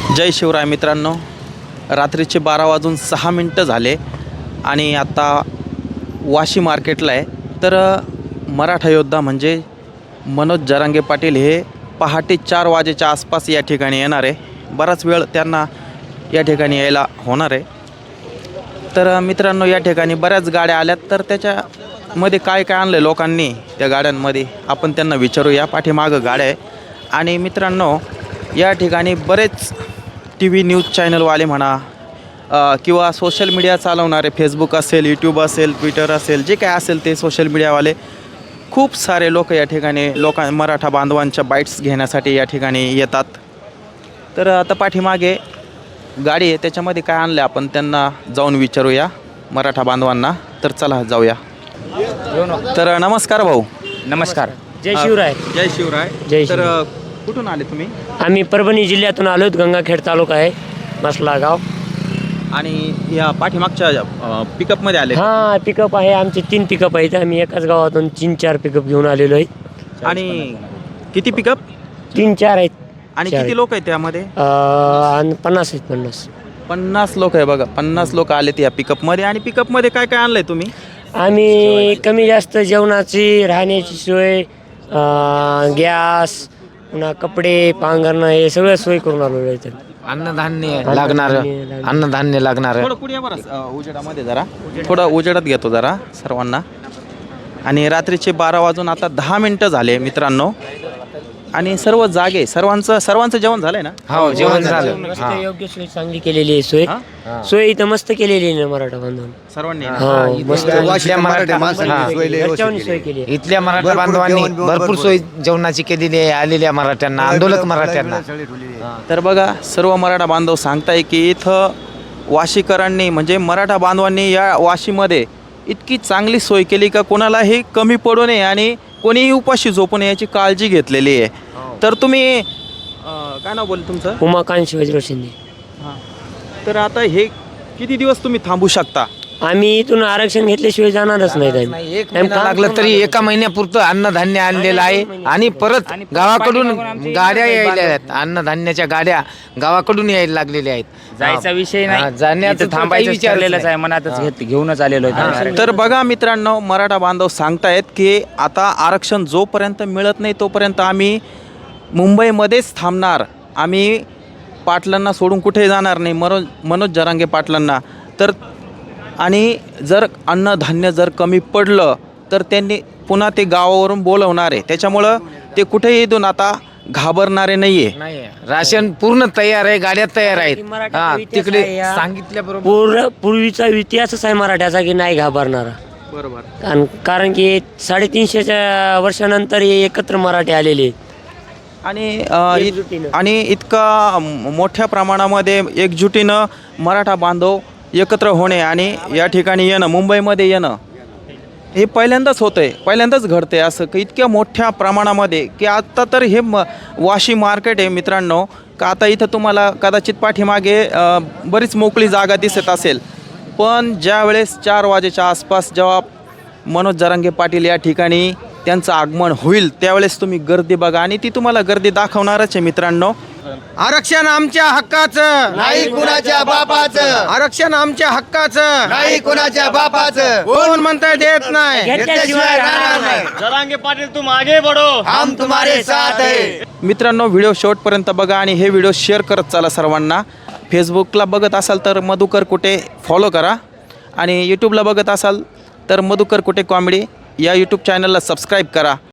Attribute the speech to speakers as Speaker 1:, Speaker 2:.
Speaker 1: जय शिवराय मित्रांनो, रात्रीचे 12:06 झाले आणि आता वाशी मार्केटला आहे. तर मराठा योद्धा म्हणजे मनोज जरांगे पाटील हे पहाटे 4 वाजेच्या आसपास या ठिकाणी येणार आहे. बराच वेळ त्यांना या ठिकाणी यायला होणार आहे. तर मित्रांनो, या ठिकाणी बऱ्याच गाड्या आल्यात, तर त्याच्यामध्ये काय काय आणलं लोकांनी त्या गाड्यांमध्ये आपण त्यांना विचारूया. पाठीमागं गाड्या आहे आणि मित्रांनो, या ठिकाणी बरेच TV न्यूज चॅनलवाले म्हणा किंवा सोशल मीडिया चालवणारे, फेसबुक असेल, यूट्यूब असेल, ट्विटर असेल, जे काय असेल ते सोशल मीडियावाले खूप सारे लोक या ठिकाणी मराठा बांधवांच्या बाईट्स घेण्यासाठी या ठिकाणी येतात. तर आता पाठीमागे गाडी आहे, त्याच्यामध्ये काय आणलं आपण त्यांना जाऊन विचारूया मराठा बांधवांना. तर चला जाऊया. तर नमस्कार भाऊ.
Speaker 2: नमस्कार. जय शिवराय.
Speaker 1: जय शिवराय.
Speaker 2: जय
Speaker 1: तर कुठून आले तुम्ही?
Speaker 2: आम्ही परभणी जिल्ह्यातून आलोत. गंगाखेड तालुका आहे, मसला गाव.
Speaker 1: आणि या पाठीमागच्या पिकअपमध्ये आले?
Speaker 2: हा, पिकअप आहे. आमचे 3 पिकअप आहेत. आम्ही एकाच गावातून 3-4 पिकअप घेऊन आलेलो आहे.
Speaker 1: आणि किती पिकअप?
Speaker 2: 3-4 आहेत.
Speaker 1: आणि
Speaker 2: चार
Speaker 1: किती लोक आहेत त्यामध्ये?
Speaker 2: आणि 50 आहेत.
Speaker 1: 50 लोक आहे. बघा, 50 लोक आलेत या पिकअपमध्ये. आणि पिकअपमध्ये काय काय आणलंय तुम्ही?
Speaker 2: आम्ही कमी जास्त जेवणाची, राहण्याची सोय, गॅस, पुन्हा कपडे, पांघरणं, हे सगळं सोय करून आलेलो आहे.
Speaker 3: अन्नधान्य लागणार
Speaker 1: थोडं पुढे या बरं, उजेडामध्ये जरा, थोडं उजेडात घेतो जरा सर्वांना. आणि रात्रीचे 12 वाजून आता 10 मिनटं झाले मित्रांनो, आणि सर्व जागे, सर्वांचं जेवण झालंय ना?
Speaker 3: हो, जेवण झालं.
Speaker 2: मस्त योग्य सोय चांगली केलेली आहे. सोय इथं मस्त केलेली आहे ना मराठा बांधवांनी.
Speaker 1: सर्वांनी
Speaker 2: हो, मस्त
Speaker 3: इथल्या मराठा
Speaker 2: घरच्यांनी सोय केली आहे.
Speaker 3: इथल्या मराठा बांधवांनी भरपूर सोय जेवणाची केलेली आहे आलेल्या मराठ्यांना, आंदोलक मराठ्यांना.
Speaker 1: तर बघा, सर्व मराठा बांधव सांगताय की इथं वाशीकरांनी म्हणजे मराठा बांधवांनी या वाशीमध्ये इतकी चांगली सोय केली का कोणालाही कमी पडू नये आणि कोणीही उपाशी झोपू नये याची काळजी घेतलेली आहे. तर तुम्ही काय नाव बोल तुमचं?
Speaker 2: उमाकांत शिवाजीराव शिंदे.
Speaker 1: हां. तर आता हे किती दिवस तुम्ही थांबू शकता?
Speaker 2: आम्ही इथून आरक्षण घेतल्याशिवाय जाणारच नाही.
Speaker 3: एक महिना लागलं तरी एका महिन्यापुरतं अन्नधान्य आणलेलं आहे. आणि परत गावाकडून गाड्या यायला आहेत. अन्नधान्याच्या गाड्या गावाकडून यायला लागलेल्या आहेत.
Speaker 4: जायचा विषय नाही,
Speaker 3: जाण्याचं
Speaker 4: थांबायचं
Speaker 3: विचारलेलंच
Speaker 4: ठरलेलंच आहे. मनातच घेऊनच आलेलो आहे.
Speaker 1: तर बघा मित्रांनो, मराठा बांधव सांगतायत की आता आरक्षण जोपर्यंत मिळत नाही तोपर्यंत आम्ही मुंबईमध्येच थांबणार. आम्ही पाटलांना सोडून कुठे जाणार नाही, मनोज जरांगे पाटलांना. तर आणि जर अन्नधान्य जर कमी पडलं तर त्यांनी पुन्हा ते गावावरून बोलवणार आहे. त्याच्यामुळं ते कुठेही इथून आता घाबरणारे नाही आहे.
Speaker 3: राशन पूर्ण तयार आहे, गाड्या तयार आहेत. तिकडे सांगितल्याबरोबर
Speaker 2: पूर्वीचा इतिहासच आहे मराठ्याचा की नाही घाबरणारा.
Speaker 1: बरोबर.
Speaker 2: कारण की 350 वर्षानंतर हे एकत्र मराठी आलेले
Speaker 1: आणि इतका मोठ्या प्रमाणामध्ये एकजुटीनं मराठा बांधव एकत्र होणे आणि या ठिकाणी येणं, मुंबईमध्ये येणं, हे पहिल्यांदाच होतं आहे, पहिल्यांदाच घडतं आहे असं की इतक्या मोठ्या प्रमाणामध्ये. की आत्ता तर हे वाशी मार्केट आहे मित्रांनो, का आता इथं तुम्हाला कदाचित पाठीमागे बरीच मोकळी जागा दिसत असेल. पण ज्या वेळेस 4 वाजेच्या आसपास जेव्हा मनोज जरांगे पाटील या ठिकाणी त्यांचं आगमन होईल त्यावेळेस तुम्ही गर्दी बघा, आणि ती तुम्हाला गर्दी दाखवणारच आहे मित्रांनो.
Speaker 3: आरक्षण आमच्या हक्काचं,
Speaker 5: नाही कुणाच्या बापाचं.
Speaker 3: आरक्षण आमच्या हक्काचं,
Speaker 5: नाही कुणाच्या बापाचं.
Speaker 3: कोण म्हणता देत नाही.
Speaker 5: घेतल्याशिवाय राहणार नाही.
Speaker 4: जरांगे पाटील तुम आगे बढ़ो,
Speaker 5: हम तुम्हारे साथ है.
Speaker 1: मित्रांनो, व्हिडिओ शेवटपर्यंत बघा आणि हे व्हिडिओ शेअर करत चला सर्वांना. फेसबुकला बघत असाल तर मधुकर कुटे फॉलो करा, आणि यूट्यूबला बघत असाल तर मधुकर कुटे कॉमेडी या यूट्यूब चॅनलला सबस्क्राईब करा.